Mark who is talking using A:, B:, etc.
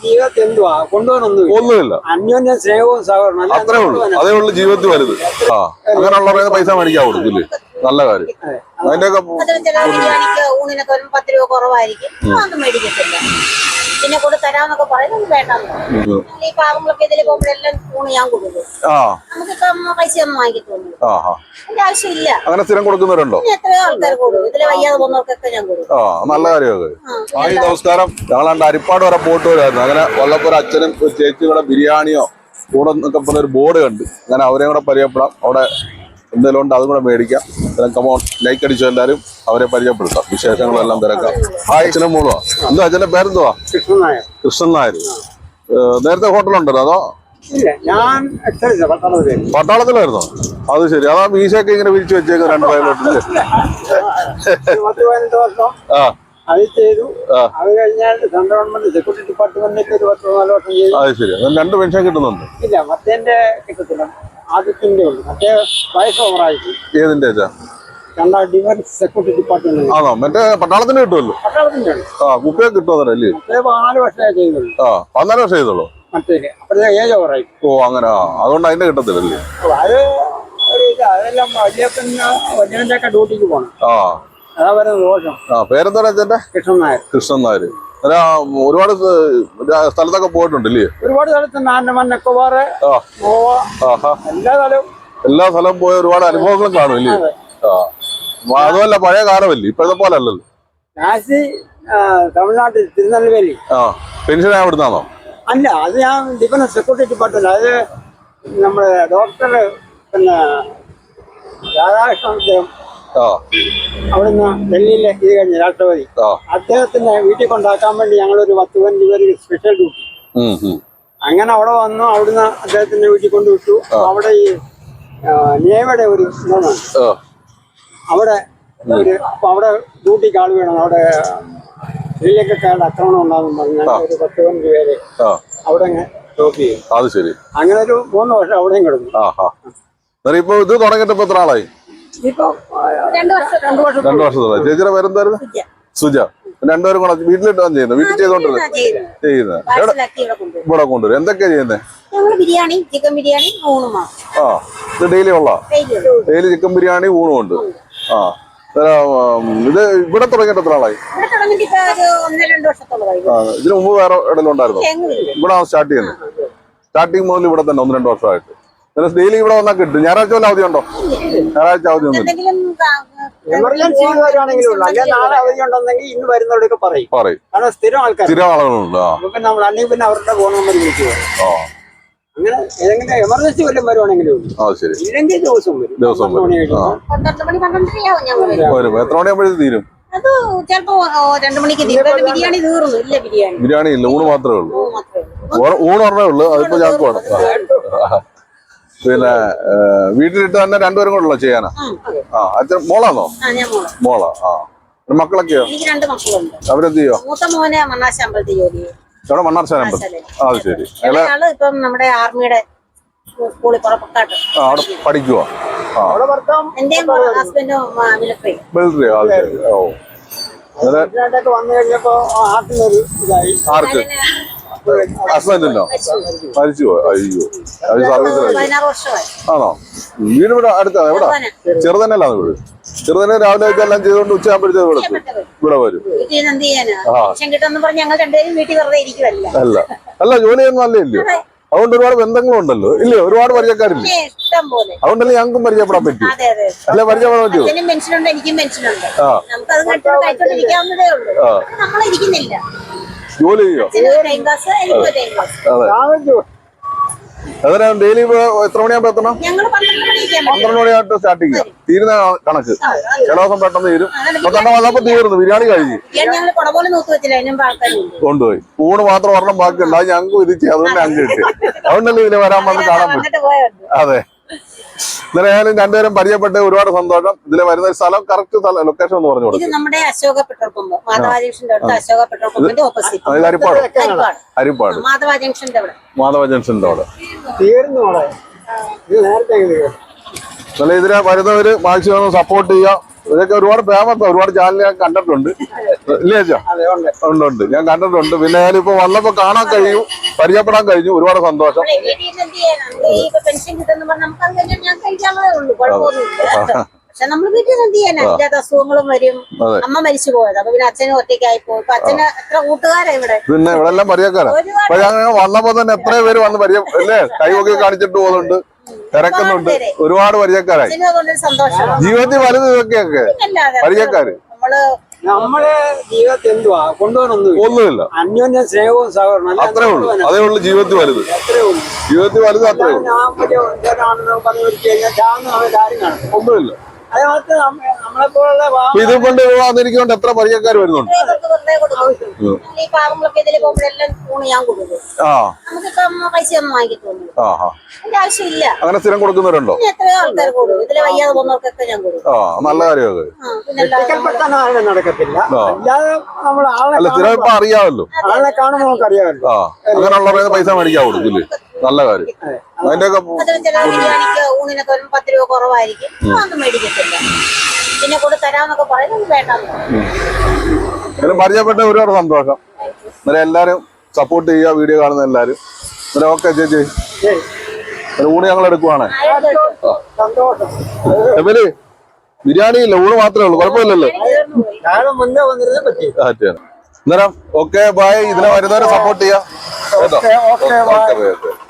A: ജീവിതത്തിൽ എന്തുവാ കൊണ്ടുപോകാനൊന്നുമില്ല. അന്യോന്യ സ്നേഹവും സഹകരണം
B: അത്രേ ഉള്ളൂ. അതേ ഉള്ളൂ ജീവിതത്തിൽ വലുത്. ആ അങ്ങനെയുള്ള പൈസ മേടിക്കാൻ കൊടുക്കില്ലേ? നല്ല കാര്യം. അതിന്റെയൊക്കെ
C: ബിരിയാണിക്ക് ഊണിനൊക്കെ 10 രൂപ കുറവായിരിക്കും, അതൊന്നും മേടിക്കത്തില്ല. പിന്നെ കൊണ്ട് തരാന്നൊക്കെ പറയുന്നത് വേണ്ടെന്ന്. ഈ പാവങ്ങളൊക്കെ ഇതിൽ പോകുമ്പോഴെല്ലാം ഊണ് ഞാൻ കൊടുക്കും. നമുക്കിപ്പം പൈസ ഒന്നും വാങ്ങിക്കത്തോന്നുന്നു. അതിന്റെ ആവശ്യമില്ല.
B: അങ്ങനെ സ്ഥിരം കൊടുക്കുന്നവരുണ്ടോ?
C: എത്രയോ ആൾക്കാർ കൊടുക്കും. ഇതിലെ വയ്യാതെ പോകുന്നവർക്കൊക്കെ ഞാൻ കൊടുക്കും.
B: നല്ല കാര്യമൊക്കെ. നമസ്കാരം. ഞങ്ങളാണ്ട് അരിപ്പാട് വരെ പോയിട്ട് വരുമായിരുന്നു. അങ്ങനെ വല്ലപ്പോഴും അച്ഛനും ഒരു ചേച്ചി കൂടെ ബിരിയാണിയോ കൂടെ എന്നൊക്കെ പറഞ്ഞ ഒരു ബോർഡ് കണ്ട്. അങ്ങനെ അവരെയും കൂടെ പരിചയപ്പെടാം. അവിടെ എന്തെങ്കിലും ഉണ്ട് അതും കൂടെ മേടിക്കാം. കമോൺ ലൈക്ക് അടിച്ചു എല്ലാവരും അവരെ പരിചയപ്പെടുത്താം. വിശേഷങ്ങളെല്ലാം തിരക്കാം. അച്ഛനും മോളുവാ. എന്താ അച്ഛന്റെ പേരെന്തുവാ? കൃഷ്ണൻ നായർ. നേരത്തെ ഹോട്ടലുണ്ടല്ലോ അതോ? പട്ടാളത്തിലായിരുന്നോ? അത് ശരി. അതാ മീശയൊക്കെ ഇങ്ങനെ വിരിച്ചു വെച്ചേക്കും 2 വയലോട്ടില്.
A: അത് ചെയ്തു. അത് കഴിഞ്ഞാൽ സെൻട്രൽ ഗവൺമെന്റ് സെക്യൂരിറ്റി ഡിപ്പാർട്ട്മെന്റിലേക്ക് ഒരു 10-14 വർഷം ചെയ്തു.
B: അത് ശരി. 2 പെൻഷൻ കിട്ടുന്നുണ്ട്?
A: ഇല്ല, മറ്റേന്റെ കിട്ടത്തില്ല. ആദ്യത്തിന്റെ ഉള്ളു. മറ്റേ വയസ്സ് ഓവറായിരിക്കും.
B: ഏതിന്റെ?
A: Defence security department.
B: ആണോ? മറ്റേ പട്ടാളത്തിന് കിട്ടുമല്ലോ.
A: പട്ടാളത്തിന്റെ
B: കുപ്പിയൊക്കെ കിട്ടുമല്ലേ?
A: 4 വർഷമേ ചെയ്തുള്ളൂ.
B: 14 വർഷം ചെയ്തോളൂ.
A: മറ്റേക്ക് അപ്പോഴത്തെ ഏജ് ഓവറായി.
B: അങ്ങനെ. അതുകൊണ്ട് അതിന്റെ കിട്ടത്തില്ലല്ലേ?
A: അത് അതെല്ലാം വലിയതിന്റെ ഒക്കെ ഡ്യൂട്ടിക്ക് പോകണം. അതാ വരുന്നത് ദോഷം.
B: പേരെന്താ അച്ഛന്റെ?
A: കൃഷ്ണൻ നായർ.
B: കൃഷ്ണൻ നായർ. ഒരുപാട് സ്ഥലത്തൊക്കെ പോയിട്ടുണ്ടല്ലേ?
A: ഒരുപാട് സ്ഥലത്ത് ആൻഡമാൻ നിക്കോബാർ, ഗോവ,
B: എല്ലാ സ്ഥലവും പോയ ഒരുപാട് അനുഭവങ്ങളും കാണും ഇല്ലേ? അതുമല്ല പഴയ കാലമല്ലേ, ഇപ്പോഴത്തെ പോലെ അല്ലല്ലോ.
A: തമിഴ്നാട്ടിൽ തിരുനെൽവേലി.
B: പെൻഷൻ എവിടുന്നാണോ?
A: അല്ല, അത് ഞാൻ ഡിഫൻസ് സെക്യൂരിറ്റി ഡിപ്പാർട്ട്മെന്റ്. അത് നമ്മുടെ ഡോക്ടർ പിന്നെ രാധാകൃഷ്ണൻ അവിടുന്ന് ഡൽഹിയിലെ ഇത് കഴിഞ്ഞ രാഷ്ട്രപതി അദ്ദേഹത്തിന്റെ വീട്ടിൽ കൊണ്ടാക്കാൻ വേണ്ടി ഞങ്ങളൊരു 10-15 പേര് സ്പെഷ്യൽ ഡ്യൂട്ടി. അങ്ങനെ അവിടെ വന്നു. അവിടുന്ന് അദ്ദേഹത്തിന്റെ വീട്ടിൽ കൊണ്ടുവിട്ടു. അവിടെ ഈ നേവയുടെ ഒരു ഇതാണ്. അവിടെ അവിടെ ഡ്യൂട്ടിക്ക് ആൾ വേണം. അവിടെ ശ്രീലങ്കക്കാരുടെ ആക്രമണം ഉണ്ടാകും പറഞ്ഞാൽ ഒരു 10-15 പേര് അവിടെ ഡ്യൂട്ടി ചെയ്യും.
B: അത് ശരി.
A: അങ്ങനെ ഒരു 3 വർഷം അവിടെയും കിടന്നു.
B: ഇപ്പൊ ഇത് തുടങ്ങിയിട്ട് ഇപ്പൊ എത്ര ആളായി?
A: ഇപ്പൊ 2
B: വർഷത്തോളം. ചേച്ചിയുടെ പേരെന്തായിരുന്നു? സുജ. 2 പേരും കൂടെ വീട്ടിലിട്ടാണ് ചെയ്യുന്നത്? വീട്ടിൽ ചെയ്തോണ്ടിരുന്നത് ഇവിടെ കൊണ്ടുവരും. എന്തൊക്കെയാ ചെയ്യുന്നത്?
C: ബിരിയാണി, ചിക്കൻ ബിരിയാണി, ഊണും.
B: ഇത് ഡെയിലി ഉള്ള ഡെയിലി ചിക്കൻ ബിരിയാണി ഊണും ഉണ്ട്. ഇത് ഇവിടെ തുടങ്ങിയിട്ട് എത്ര ആളായി? ഇതിനു മുമ്പ് വേറെ ഇടയിലും ഉണ്ടായിരുന്നു? ഇവിടെ സ്റ്റാർട്ട് ചെയ്യുന്നത്. സ്റ്റാർട്ടിങ് മുതൽ ഇവിടെ തന്നെ 1-2 വർഷമായിട്ട്. ഡെയിലി ഇവിടെ വന്നാൽ കിട്ടും. ഞായറാഴ്ച വല്ല അവധി ഉണ്ടോ? ഞായറാഴ്ച അവധി ഒന്നും
A: എമർജൻസി വരുവാണെങ്കിലും ഉള്ളു. അല്ലെങ്കിൽ നാളെ അവധി ഉണ്ടെന്നെങ്കിൽ ഇന്ന് വരുന്നവരൊക്കെ പറയും. കാരണം സ്ഥിരം ആൾക്കാർ,
B: സ്ഥിരം ആളുകളുണ്ട്.
A: നമ്മൾ അല്ലെങ്കിൽ പിന്നെ അവരുടെ ഫോൺ നമ്പർ വിളിച്ചു അങ്ങനെ ഏതെങ്കിലും എമർജൻസി വല്ലതും വരുവാണെങ്കിലും ഇല്ലെങ്കിൽ ദിവസം വരും.
C: 12 മണി 12:30
B: വരും. എത്ര മണിയാകുമ്പോഴേക്കും തീരും?
C: അത് ചിലപ്പോ 2 മണിക്ക് ബിരിയാണി തീർന്നു. ഇല്ല,
B: ബിരിയാണി ഇല്ല, ഊണ് മാത്രമേ ഉള്ളൂ. ഊണ് പറഞ്ഞേ ഉള്ളു. അതിപ്പോ ഞങ്ങൾക്ക് വേണം. പിന്നെ വീട്ടിലിട്ട് തന്നെ 2 പേരും കൂടെ ഉള്ള ചെയ്യാനാ? അച്ഛൻ മോളാണോ? മോളാ. മക്കളൊക്കെയോ? അവരെന്ത് ചെയ്യോ?
C: മൂത്ത മോനെ മണ്ണാശ അമ്പലത്തിൽ ജോലി ചെയ്യും.
B: ഇവിടെ മണ്ണാർശാല അമ്പലത്തിൽ. അത് ശരി.
C: ഇപ്പം നമ്മുടെ ആർമിയുടെ സ്കൂളിൽ പുറപ്പെട്ടാട്ട്
B: അവിടെ പഠിക്കുവോ?
C: എന്റെ ഹസ്ബൻഡും മിലിറ്ററി.
B: മിലിറ്ററി. അത് ശരി.
A: വന്നു കഴിഞ്ഞപ്പോ ആർട്ടിനൊരു ഇതായി.
B: ആർക്ക്? ഹസ്ബൻഡിനോ? മരിച്ചുപോയോ? അയ്യോ. അത് സർവീസിലായി. ആണോ? വീട് ഇവിടെ അടുത്താണ്. എവിടെ? ചെറുതന്നെയല്ലാന്ന് വീട്? ചെറുതന്നെ രാവിലെ എല്ലാം ചെയ്തോണ്ട് ഉച്ചയാകുമ്പോഴത്തേക്ക് ഇവിടെ വരും. അല്ല അല്ല, ജോലി ചെയ്യുന്ന നല്ല ഇല്ലയോ? അതുകൊണ്ട് ഒരുപാട് ബന്ധങ്ങളും ഉണ്ടല്ലോ ഇല്ലയോ? ഒരുപാട് പരിചയക്കാരില്ലേ? അതുകൊണ്ടല്ലേ ഞങ്ങൾക്കും പരിചയപ്പെടാൻ പറ്റും. അല്ലെ പരിചയപ്പെടാൻ പറ്റുമോ? ജോലി ചെയ്യോ? അതെ. ഡെയിലി എത്ര മണിയാകുമ്പോ എത്തണം? 12 മണിയായിട്ട് സ്റ്റാർട്ട് ചെയ്യാം. തീരുന്ന കണക്ക്. ചില ദിവസം പെട്ടെന്ന് തീരും. 12 വന്നപ്പോ തീർന്നു. ബിരിയാണി കഴിഞ്ഞു കൊണ്ടുപോയി. ഊണ് മാത്രം ഒരെണ്ണം ബാക്കിയുണ്ട്. അത് ഞങ്ങൾക്ക് വിധിച്ചു. അതുകൊണ്ട് ഞങ്ങൾക്ക് കിട്ടി. അതുകൊണ്ടല്ലേ ഇതിന് വരാൻ വന്ന് കാണാൻ പറ്റും. അതെ. എന്തായാലും 2 പേരും പരിചയപ്പെട്ട് ഒരുപാട് സന്തോഷം. ഇതില് വരുന്ന സ്ഥലം കറക്റ്റ് ലൊക്കേഷൻ ഒന്ന് പറഞ്ഞു കൊടുക്കും.
C: നമ്മുടെ അശോക പെട്രോൾ പമ്പ്, മാധവ ജംഗ്ഷന്റെ അടുത്ത് അശോക പെട്രോൾ പമ്പിന്റെ ഓപ്പോസിറ്റ്.
B: ഹരിപ്പാട്
C: മാധവ ജംഗ്ഷന്റെ അവിടെ.
B: മാധവ ജംഗ്ഷന്റെ അവിടെ.
A: നേരത്തെ
B: ഇതിനെ വരുന്നവര് മാക്സിമം സപ്പോർട്ട് ചെയ്യുക. ഇതൊക്കെ ഒരുപാട് ഫേമസ്, ഒരുപാട് ചാനൽ ഞാൻ കണ്ടിട്ടുണ്ട്. ഇല്ലേ ചേച്ചാ?
A: അതെ ഉണ്ട്.
B: ഉണ്ട്, ഞാൻ കണ്ടിട്ടുണ്ട്. പിന്നെ ഞാനിപ്പോ വന്നപ്പോ കാണാൻ കഴിയും, പരിചയപ്പെടാൻ കഴിഞ്ഞു. ഒരുപാട് സന്തോഷം.
C: പെൻഷൻ കിട്ടുന്ന പറഞ്ഞാൽ നമുക്ക് അങ്ങനെ ഞാൻ കഴിക്കാനുള്ളതേ ഉള്ളൂ, കുഴപ്പമൊന്നുമില്ല. പക്ഷെ നമ്മൾ വീട്ടിൽ നിന്ന് എന്ത് ചെയ്യാനാ, ഇല്ലാത്ത അസുഖങ്ങളും വരും. അമ്മ മരിച്ചു പോയത്, അപ്പൊ പിന്നെ അച്ഛനും ഒറ്റയ്ക്കായി പോയി. ഇപ്പൊ അച്ഛന് എത്ര കൂട്ടുകാരാ ഇവിടെ.
B: പിന്നെ ഇവിടെ എല്ലാം പരിചയക്കാരാ. അപ്പൊ ഞാൻ വന്നപ്പോ തന്നെ എത്ര പേര് വന്ന് പരിചയം അല്ലേ, കൈവൊക്കെ കാണിച്ചിട്ട് പോകുന്നുണ്ട്, തിരക്കുന്നുണ്ട്. ഒരുപാട് പരിചയക്കാരായി.
C: സന്തോഷം.
B: ജീവിതത്തിൽ വലുത് ഇതൊക്കെയൊക്കെ പരിചയക്കാര്.
A: നമ്മളെ ജീവിതത്തിൽ എന്തുവാ
B: ഒന്നുമില്ല,
A: അന്യോന്യ സ്നേഹവും സഹകരണം
B: അത്രേ ഉള്ളൂ. അതേ ഉള്ളൂ ജീവിതത്തിൽ വലുത്. ജീവിതത്തിൽ വലുത് അത്രേ ഉള്ളൂ. ഒന്നുമില്ല.
A: നമ്മളെ പോലുള്ള
B: ഇത് കൊണ്ട് വന്നിരിക്കൊണ്ട് എത്ര പരിചയക്കാർ വരുന്നുണ്ട്.
C: ഈ പാവങ്ങളൊക്കെ ഇതിൽ പോകുമ്പോഴെല്ലാം ഊണ് ഞാൻ കൊടുക്കും. നമുക്കിപ്പം പൈസ ഒന്നും വാങ്ങിക്കത്തൊന്നും അതിന്റെ ആവശ്യമില്ല.
B: അങ്ങനെ സ്ഥിരം കൊടുക്കുന്നവരുണ്ടോ?
C: എത്രയോ ആൾക്കാർ കൊടുക്കും. ഇതിലെ വയ്യാതെ പോകുന്നവർക്കൊക്കെ ഞാൻ കൊടുക്കും.
B: നല്ല കാര്യമൊക്കെ.
A: നടക്കത്തില്ല. അല്ലാതെ നമ്മൾ
B: അല്ല, സ്ഥിരം ഇപ്പൊ അറിയാമല്ലോ,
A: ആളെ കാണുമ്പോൾ നമുക്ക് അറിയാമല്ലോ.
B: അങ്ങനെയുള്ള പൈസ മേടിക്കാൻ കൊടുക്കില്ലേ, നല്ല കാര്യം. അതിന്റെയൊക്കെ
C: ബിരിയാണിക്ക് ഊണിനൊക്കെ ഒരു 10 രൂപ കുറവായിരിക്കും, അതൊന്നും മേടിക്കത്തില്ല. പിന്നെ കൂടെ തരാമെന്നൊക്കെ പറയുന്നത് വേണ്ടെന്ന്.
B: പരിചയപ്പെട്ട ഒരുപാട് സന്തോഷം. അന്നേരം എല്ലാരും സപ്പോർട്ട് ചെയ്യുക, വീഡിയോ കാണുന്ന എല്ലാരും. അന്നേരം ഓക്കെ ചേച്ചി, ഊണ് ഞങ്ങൾ എടുക്കുവാണ്. എവര് ബിരിയാണി ഇല്ല, ഊണ് മാത്രമേ ഉള്ളൂ, കുഴപ്പമില്ലല്ലോ.
A: മുന്നേ വന്നിരുന്നേ പറ്റി.
B: അന്നേരം ഓക്കെ ബൈ. ഇതിനെ വരുന്നവരെ സപ്പോർട്ട് ചെയ്യാം.
A: Okay by.